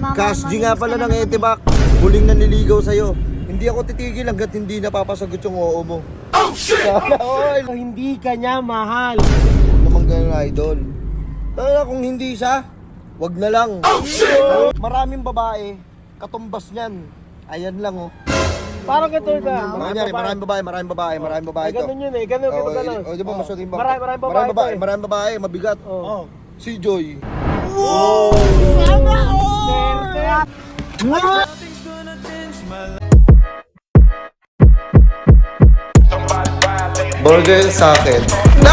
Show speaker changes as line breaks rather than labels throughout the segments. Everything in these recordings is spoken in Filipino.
Cash G nga pala ng Etebak. Huling nanliligaw sa'yo. Hindi ako titigil hanggat hindi napapasagot yung oo mo. Oh shit! Sana all!
Hindi ka niya mahal.
Huwag naman ganun, idol. Tara, kung hindi siya, wag na lang. Oh shit! Maraming babae, katumbas niyan. Ayan lang oh.
Parang ganito ba?
Maraming babae to.
Ganun yun eh, ganun.
O, di ba masutin ba?
Maraming babae.
Maraming babae, mabigat.
Oh.
Si Joy.
Sana all!
Burger sa akin.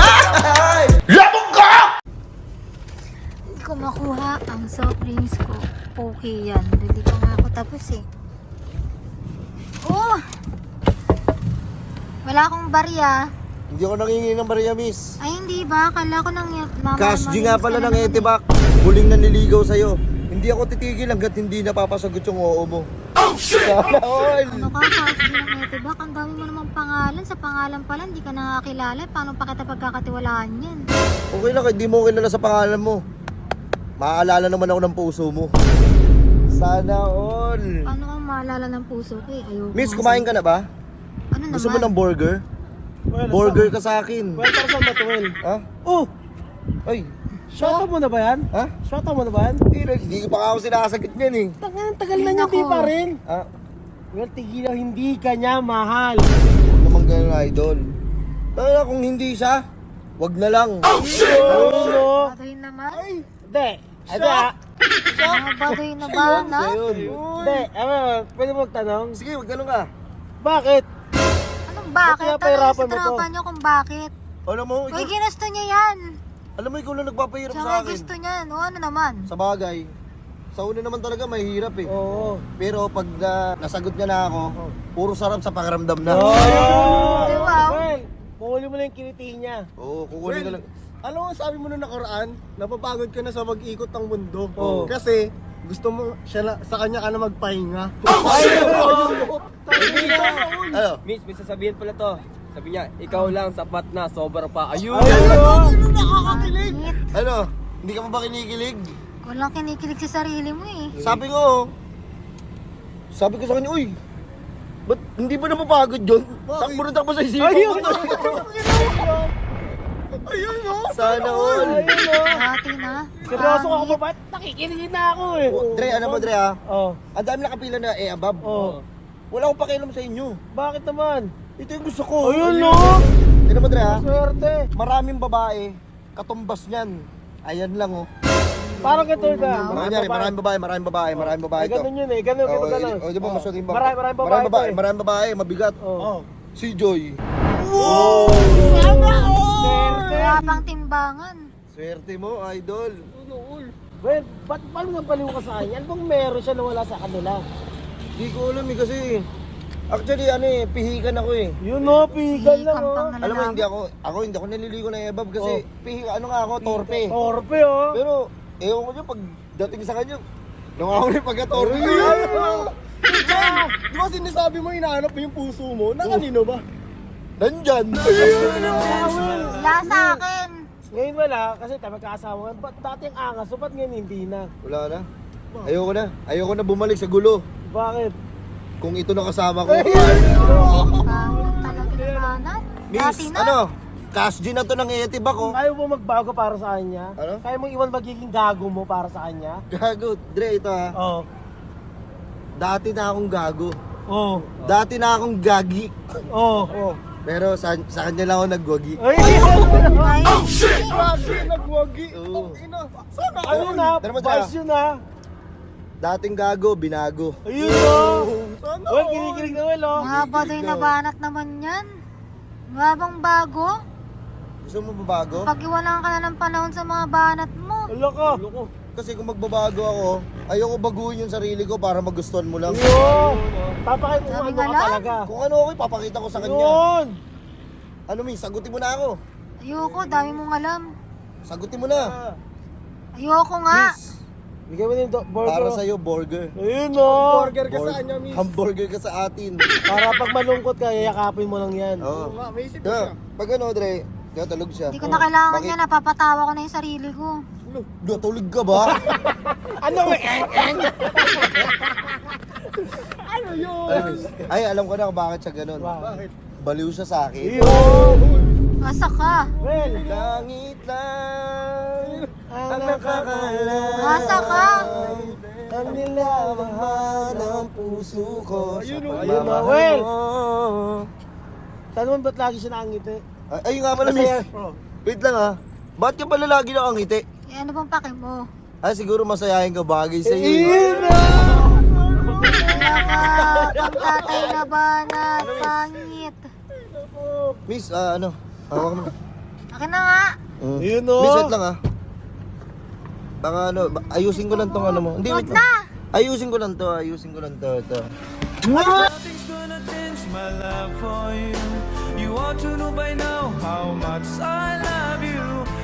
Hindi ko makuha ang soft drinks ko. Okay yan. Hindi pa nga ako tapos eh. Oh! Wala akong barya.
Hindi ako nangingi ng Maria Miss.
Ay hindi ba? Akala ko nang
Cash G nga pala ng Etebak. Huling nanliligaw sa'yo. Hindi ako titigil hanggat hindi napapasagot yung oo mo. Oh shit! Sana all!
Ano ka, Cash G ng Etebak? Ang dami mo namang pangalan. Sa pangalan pala, hindi ka nakakilala. Paano pa kita pagkakatiwalaan yan?
Okay lang, hindi mo kilala sa pangalan mo. Maaalala naman ako ng puso mo. Sana all!
Paano kang maalala ng puso ko eh? Ayoko.
Miss, kumain ka na ba?
Ano naman?
Gusto mo ng burger? Burger ka sa akin.
Well, para saan ba ito, Well?
Ha?
Oh!
Ay,
Shota mo na ba yan?
ha?
Shota mo na ba yan?
Hindi ko pa ako sinasagot niyan eh.
Tagal na niya, di pa rin.
Ha?
Well, tigilan, hindi ka niya mahal.
Huwag naman ganun, idol. Tara, kung hindi siya, wag na lang.
Oo.
Baduy naman?
Hindi. Ito ah.
Mga baduy na ba na?
Ayun.
Hindi. Pwede mo magtanong?
Sige, wag ganun ka.
Bakit?
Anong bakit?
Ba't
Ano
pinapahirapan
sa
mo to?
tropa niyo kung bakit?
Alam mo,
Uy,
ikaw,
ginusto niya yan.
alam mo, ikaw lang nagpapahirap
Siya
sa
nga
akin.
gusto niyan. O ano naman?
Sa bagay, sa una naman talaga mahirap eh.
Oo.
Pero pag nasagot niya na ako, puro sarap sa pakiramdam na.
Oh!
Di ba?
Well, kuhuli mo na yung kiliti niya.
Oo, kukunin ko lang.
Alam mo, sabi mo nung nakaraan, napapagod ka na sa mag-ikot ng mundo.
Oo.
Kasi gusto mo sa kanya ka na magpahinga.
Ano?
Miss, may sasabihin pala to. Sabi niya, ikaw lang sapat na, sobra pa. Ayun!
Nakakakilig.
Ano? Hindi ka pa ba kinikilig?
Walang kinikilig sa sarili mo eh.
Sabi ko sa kanya, uy, ba't hindi ba napapagod yun? Takbo na takbo sa isipan ko.
Ayun no?
Sana all.
Dati na.
Seryoso ka ba? Ba't nakikinig na ako eh?
Dre, ano mo Dre ha?
Oh.
Ang dami nakapila na above.
Oh.
Wala akong pakialam sa inyo.
Bakit naman?
Ito yung gusto ko.
Ayun no?
Tignan mo Dre ha?
Swerte.
Maraming babae, katumbas niyan. Ayan lang oh.
Parang ganito ba?
Maraming babae to.
Ganun yun eh. Ganun.
O, di ba masutin ba?
Maraming babae to eh.
Maraming babae, mabigat.
Oh.
Si Joy.
Swerte.
Wala pang timbangan.
Swerte mo, idol.
Well, ba't paano nabaliw ka sa kanya? Ano bang meron siya na wala sa kanila?
Di ko alam eh kasi actually ano eh, pihikan ako eh.
Yun no, pigal lang
Hihikam
oh.
pang
Alam mo
lalaki.
hindi ako naliligo ng ebab kasi ano nga ako, torpe.
Torpe oh.
Pero ewan ko dyan pag dating sa kanya, nung ako rin pagka-torpe.
Di ba sinasabi mo, inaanap mo yung puso mo? Na kanino ba?
Nandyan.
Wala sa akin.
Ngayon wala, kasi tayo magkakasama. Ba't dati ang angas? So ba't ngayon hindi na?
Wala na. Ayoko na bumalik sa gulo.
Bakit?
Kung ito na kasama ko.
Pangit talaga naman.
Miss,
Dati na.
ano? Cash G na to ng Etebak oh.
Kaya mo magbago para sa kanya?
Ano?
Kaya mo iwan magiging gago mo para sa kanya?
Gago. Dre, ito ha.
Oo.
Dati na akong gago.
Oo.
Dati na akong gagi.
Oo.
Pero sa kanya lang ako nagwagi.
Ay!
Ay,
Grabe, nagwagi.
Oo.
Ina, sana
Ano na?
Tara mo,
Bars yun na.
Dating gago, binago.
Ayun o.
Sana
Well, kinikilig na well o.
mga baduy na banat naman yan. Wala bang bago?
Gusto mo babago?
Pag-iwanan ka na ng panahon sa mga banat mo.
Wala ka.
Kasi kung magbabago ako, ayoko baguhin yung sarili ko para magustuhan mo lang.
Ayun. Papakita mo
Sabi
ano
nga
ka
lang.
talaga.
Kung ano ako, ipapakita ko sa kanya.
Yun.
Ano Miss, sagutin mo na ako.
Ayoko, dami mong alam.
Sagutin mo na.
Ayoko nga.
Miss,
Bigyan mo na yung burger.
para sa'yo, burger.
Ayun o.
burger ka sa kanya, miss.
Hamburger ka sa atin.
Para pag malungkot ka, yayakapin mo lang yan.
Oo.
Nga, may isip ko siya.
Pag ano, Dre, natulog siya.
Hindi ko na kailangan
Bakit?
yan. Napapatawa ko na yung sarili ko.
Natulog ka ba?
Ano?
Ay, alam ko na kung bakit siya ganun.
Bakit?
Baliw siya sa akin.
Asa ka?
Well,
Langit lang
ang nakakalam.
Asa ka?
Ang nilamahan ng puso ko sa
Ayun,
pagmamahal
Well.
mo.
Tanong ba't lagi siya nakangiti?
Ayun nga pala, miss. Wait lang ha. Bakit ka pala lagi nakangiti?
Eh, ano bang pake mo?
Ah, siguro masayahin ka bagay sa iyo.
Wala ka, pagtatay na banat, pangit.
Miss, ano? Hawak mo.
Akin na nga.
Yun o.
Miss, wait lang ha. Baka ano, ayusin ko lang tong ano mo. Hindi,
Wag
wait lang.
na.
Ayusin ko lang to, ito.
Nothing's gonna change my love for you. You ought to know by now how much I love you.